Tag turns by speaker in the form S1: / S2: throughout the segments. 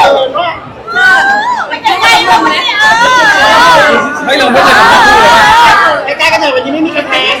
S1: ไม่ใช่ผมเนี่ย
S2: ไม่เราไม่เคยทำคู่เลย
S3: ใกล้ๆกันเลยวันนี้ไม่มีกระแพง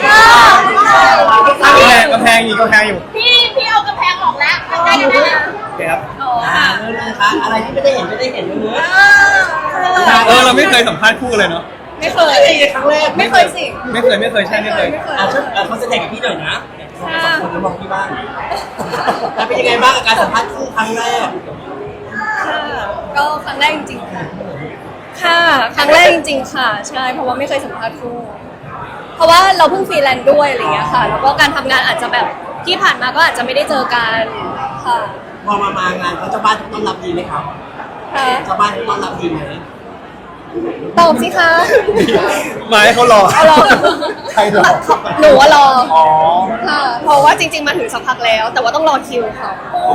S2: กำแพงอยู่
S1: พี่เอากระแพงออกแล้วใกล้กันแล้ว
S2: โอเคครับ
S1: โอ้ค่ะ
S3: นะคะอะไรที่ไม่ได้เห็นเลยเนื้อ
S2: เราไม่เคยสัมภาษณ์คู่เลยเนาะ
S1: ไม่เคย
S3: ครั้งแรก
S1: ไม่เคยสิ
S2: ไม่เคยใช่ไม่เคย
S3: เขาแสดงกับพี่หน่อยนะสองคนแล้วมองพี่บ้างแล้วเป็นยังไงบ้างกับการสัมภาษณ์คู่ครั้งแรก
S1: ก็ครั้งแรกจริงๆค่ะค่ะครั้งแรกจริงๆค่ะใช่เพราะว่าไม่เคยสัมภาษณ์คู่เพราะว่าเราเพิ่งฟรีแลนซ์ด้วยอะไรเงี้ยค่ะแล้วก็การทำงานอาจจะแบบที่ผ่านมาก็อาจจะไม่ได้เจอกันค่ะ
S3: พอมางานเขาเจ้าบ้านต้อนรับดีไหมครับ
S1: ค่ะ
S3: เจ้าบ้านต้อนรับดีไหม
S1: ตอบสิคะ
S2: มาให้เขารอ
S1: เอารอ
S2: ใครรอ
S1: หนูว่ารอ
S2: อ๋อ
S1: ค่ะเพราะว่าจริงๆมาถึงสักพักแล้ว แต่ว่าต้องรอคิวค่ะ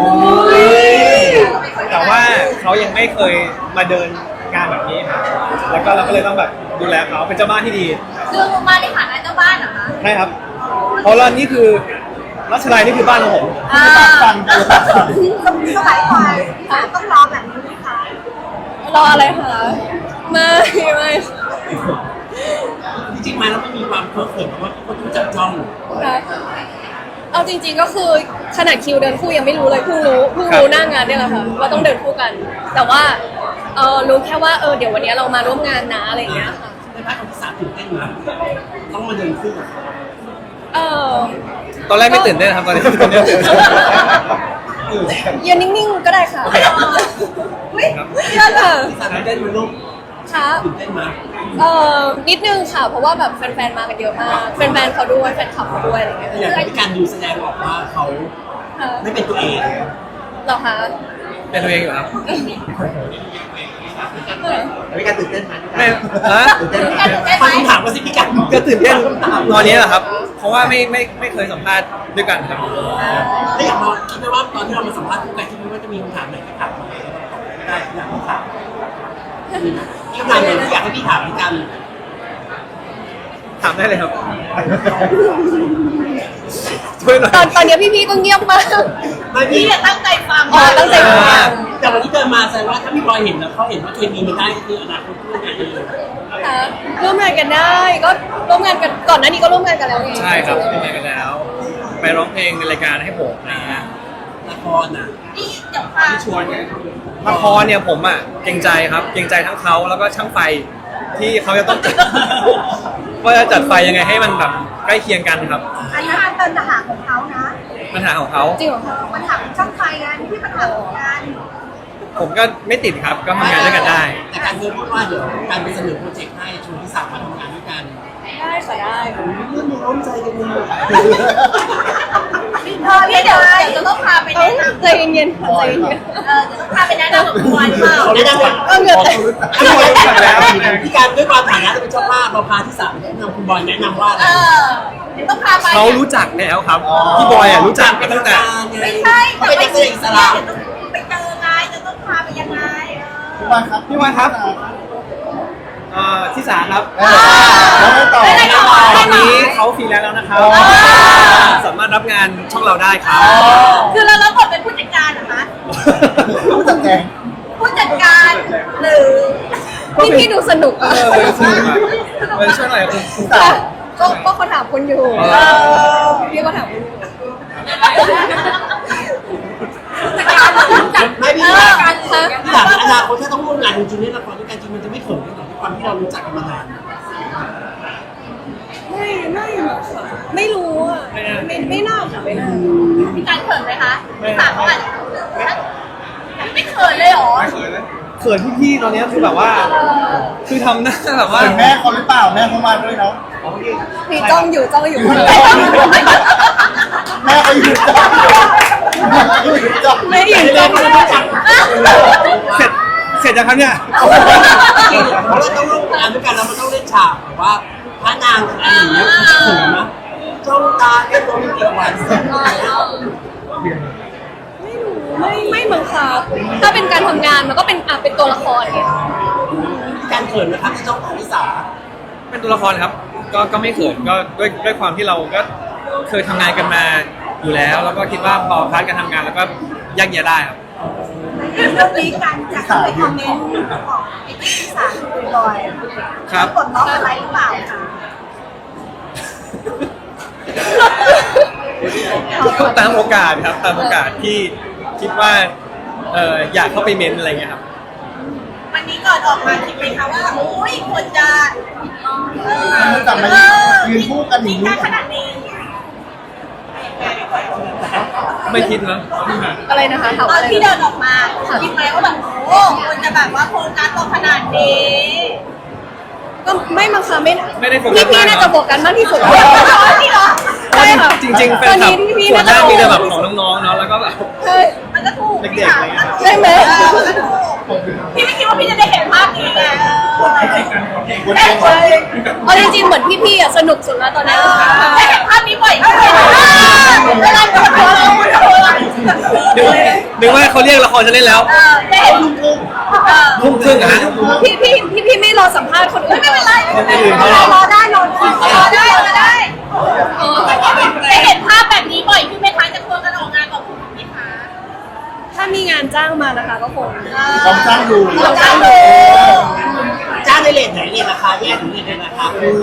S2: แต่ว่าเขายังไม่เคยมาเดินงานแบบนี้ครับแล้วก็เราก็เลยต้องแบบดูแลเขาเป็นเจ้าบ้านที่ดี
S1: คือมาในฐานะเจ้าบ้านเหรอคะ
S2: ใช่ครับเพราะว่านี่คือรัชลัยนี่คือบ้านของผม
S1: ฟังสมัยก่อนต้องรอแบบนี้ไหมคะรออะไรคะไม่
S3: จริงๆมาแล้วไม่มีความเพ้อเขินเพราะว่าคนรู้จักจ้อง
S1: เอาจริงๆก็คือขนาดคิวเดินคู่ยังไม่รู้เลยเพิ่งรู้หน้างานเนี่ยแหละค่ะว่าต้องเดินคู่กัน แต่ว่ารู้แค่ว่าเดี๋ยววันนี้เรามาร่วมงานนะอะไรอย่างเงี้ยค่ะ
S3: ในภาคของที่สามตื่นเต้นมาต้องมาเดินคู่กับเขา
S2: ตอนแรกไม่ตื่นเต้นนะครับตอนนี้ตื่นเต้น
S1: ยืนนิ่งๆก็ได้ค่ะเชื่อค่ะ
S3: ที่สามตื่นเต้นมาลูก
S1: ค่ะ
S3: ตื่นเต้นมา
S1: นิดนึงค่ะเพราะว่าแบบแฟนๆมากันเยอะมากแฟนๆเขาด้วยแฟนคลับเขาด้วยอะไรเงี้ย
S3: อย่างที่การดูแสดงออกว่าเขา
S1: ค่ะ
S3: ไม่เป็นตัวเอง
S1: เหรอคะ
S2: เป็นตัวเองอยู่ครับ
S3: พี่การตื่นเต้นไหม
S2: ไม่ฮะ
S3: ตื่นเต้นฟังคำถามว่าสิพี่การ
S2: ก็ตื่นเต้นตอนนี้แหละครับ เพราะว่าไม่เคยสัมภาษณ์ด้วยกันครับ
S3: แล้วอย่างเราคิดไหมว่าตอนที่เรามาสัมภาษณ์คู่กันคิดไหมว่าจะมีคำถามไหนที่ถามมาได้อยากให้ถามคำถามไหนที่อยากให้พี่ถามพี่กัน
S2: ถามได้เลยครับช่วยหน่อย
S1: ตอนนี้พี่ๆก็เงียบมาก
S3: ไม่พี่
S1: ตั้งใจฟังตั้งใจฟัง
S3: แต่วันที่เดินมาแสดงว่าถ้าพี่บอยเห็นแล้วเขาเห็นว่าเคมีมันได้คืออนาคตร่วมงานกันเลย
S1: ค่ะร่วมงานกันได้ก็ร่วมงานกันก่อนหน้านี้ก็ร่วมงานกันแล้วไง
S2: ใช่ครับทำงานกันแล้ว ไปร้องเพลงในรายการให้ผมนะฮะ
S3: ละครน่ะ
S1: นี่เดี๋ยวค่ะ
S3: ที่ชวนไง
S2: ละครเนี่ยผมอ่ะเกรงใจครับเกรงใจทั้งเขาแล้วก็ช่างไฟที่เขาจะต้องจัด ว่าจะจัดไฟยังไงให้มันแบบใกล้เคียงกันครับ
S4: อันนี้เป็นปัญหาของเขานะ
S2: ปัญหาของเขา
S1: จริงเหรอคะ
S4: ปัญหาของช่างไฟกันที่ปัญหาของงาน
S2: ผมก็ไม่ติดครับก็ทำงานด้วยกันได้
S3: แต่การเคยพูดว่าเดี๋ยวการไปเสนอโปรเจกต์ให้ชวนที่สามมาทำงานด้วยกัน
S1: ได้ค่ะได้
S3: เรื่องมีร้อนใจกันเลย
S1: เดี๋ยวจะต้องพาไปแนะนำใจเย็นๆใจเย็นจะต้องพาไปแนะนำกับคุณบอยเปล่า
S3: เขาได้ก่อน
S1: เหงื่อแตก
S3: พี่การด้วยความฐานะเป็นเจ้าภาพเราพาที่สามแนะนำคุณบอยแนะนำว่าอะไร
S1: ต้องพาไป
S2: เขารู้จักแล้วครับพี่บอยอ่ะรู้จักกันตั้งแต่
S1: ไม่ใช่
S3: เขาเป็นนักแสดงอิสระ
S1: ไปเจอไงจะต้องพาไปยังไง
S2: พี่บอยครับที่สามครับ
S1: ไม่ได้ต่อ
S2: ตอนนี้เขาฟรีแลนซ์แล้วนะครับสามารถรับงานช่องเราได้ครับ
S1: คือเราบทเป็นผู้จัดการเหรอคะ
S2: ผู้จัดแจง
S1: ผู้จัดการหรือพี่ดูสนุกอ่ะ
S2: สนุกอ่ะมันช่วยหน่อยคุณตา
S1: ก็เขาถามคุณอยู่พี่ก็ถามคุณอยู่
S3: ไม่พี่การที่ถามอนาคตถ้าต้องร่วมงานจริงๆในละครด้วยกันจริงมันจะไม่เขินกันหรอกด้วยความที่เรารู้จักกันมานาน
S1: ไม่หรอกค่ะไม่รู้อ่ะไม่น่าค่ะไม่น่าพี่การเขินไหมคะพี่สาวเขาอาจจะไม่เขินเลยหรอ
S2: เขินพี่ๆตอนนี้คือแบบว่า คือทำหน้าแบบว่า
S5: แม่เขาหรือเปล่าแม่เขามาด้วยเนาะ
S1: พี่จ้องอยู่คนเดียว
S5: แม่เขาอยู่จ้องอยู่จ้อง
S1: ไม่อยู่จ้อง
S2: เสร็จยังครับเนี่ย
S3: เพราะเราต้องร่วมงานด้วยกันแล้วมันต้องเล่นฉากแบบว่าพระนางอะไรอย่างเงี้ยมันจะเขินนะจ้องตาแค่ตัวไม่กี่วัน
S1: ไม่บังคับถ้าเป็นการทำงานมันก็เป็นตัวละครไง
S3: การเขินนะครับที่จ้องตาที่สา
S2: เป็นตัวละครครับ ก็ไม่เขินก็ด้วยความที่เราก็เคยทำงานกันมาอยู่แล้ว แล้วก็คิดว่าพอพาร์ทการทำงานแล้วก็แยกแยะได้ครับ
S4: ในเรื่องนี้กันจากในคอมเมนต์ของไอ้ที่สารบ่อยๆ
S2: ครับ
S4: กดล็อกอะไรหรือเปล่าคะ
S2: ตามโอกาสครับตามโอกาสที่คิดว่าอยากเข้าไปเม้นอะไรเงี้ยครับ
S4: วันนี้ก่อนออกมาคิดไหมคะว่าโอ้ยควรจะ
S5: แต่ไม่ยืนคู่กันอ
S4: จริ
S5: ย่าง ง
S4: ได้
S5: นี้
S4: ขนาดนี้
S2: ไม่คิดนะ
S1: อะไรนะคะถาม
S4: ตอ
S1: อะ
S4: น
S1: ไร
S4: ที่
S1: นะ
S4: เดินออกมาคิดไหมว่าแบบโอ้ควรจะแบบว่าโฟกัสตรงขนาดนี้
S1: ก็ไม่มั้งคะไม่
S2: ไม่ได้โฟกัส
S1: พี่
S2: มาก
S1: น่าจะโฟกัสมากที่สุด
S4: นี่เหรอ
S1: ใช่ค่ะ
S2: จริงๆแฟ
S1: ตอน
S2: นคลับ
S1: นี้พี่
S2: ส่ว
S1: น่าน จะ
S2: มากมีแต่แบบ
S1: โฟ
S2: ข
S1: กั
S2: อง
S1: ส
S2: น้องๆเนาะแล้วก็แบบ
S1: ใช่
S4: มันก็ถูก
S2: เด็กๆอะไรเงี้ย
S1: ใช่ไหม
S4: มันก็ถูกพี่ไม่คิดว่าพี่จะได้เห็นภาพนี้ไง
S1: เอาจริงๆเหมือนพี่ๆอ่ะสนุกสุดแล้วตอนนี้
S4: ได้เห็นภาพนี้บ่อยขึ้นเวลาโดนเรา
S2: นึกว่าเขาเรียกละครจะเล่นแล้ว
S4: ได้เห็น
S2: ทุ่มครึ่งอะฮะ
S1: พี่ไม่รอสัมภาษณ์คนอื่น
S4: ไม่เป็นไร
S2: คนอื่นเขา
S4: รอได้ได้ได้เห็นภาพแบบนี้บ่อยขึ้นไหมคะจะควรกันออกงานกับคุณไหมคะ
S1: ถ้ามีงานจ้างมานะคะก็คง
S5: ลองจ้างดู
S1: ลองจ้างดู
S3: จ้างในเลทไหนเลทราคาแยกถึงเลทราคาคือ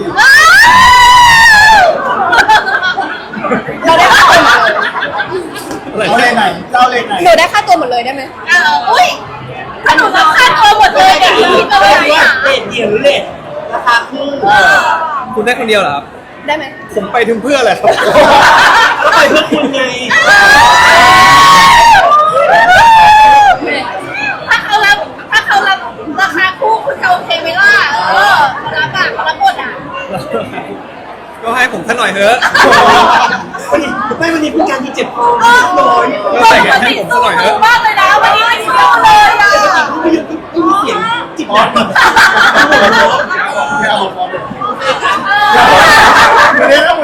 S1: เราได้ค่าตัวหมดเลย
S5: เอาเลนไหนเจ้าเลนไหน
S1: หนูได้ค่าตัวหมดเลยได้ไหม
S4: อุ้ยถ้าหนูรับค่าตัวหมดเลยเดี๋ยวพี่จะ
S3: เล
S4: ไป
S3: ท
S4: ไหน
S3: ว่า
S4: อ่ะ
S3: เลทเดียวหรือเลทราคาคู่
S2: คุณได้คนเดียวเหรอครับ
S1: ได้ไหม
S2: ผมไปถึงเพื่ออะไรครับ
S3: ก็ไปเพื่อคุณไง
S4: ถ้าเขารับราคาคู่คุณจะโอเคไหมล่ะเขารับอ่ะเขารับบทอ่ะ
S2: ก็ให้ผมท่านหน่อยเถอะ
S3: วันนี้เป็นการที่เจ็บคอ
S2: ก็ใส่กันให้ผมสักหน่อยเถอะ
S4: มากเลยนะวันนี้ไม่เชื่อเลยอ่ะ
S3: ไม่มีเสียงจิบดัง
S5: ไม่เอาพอเลยเดี๋ยว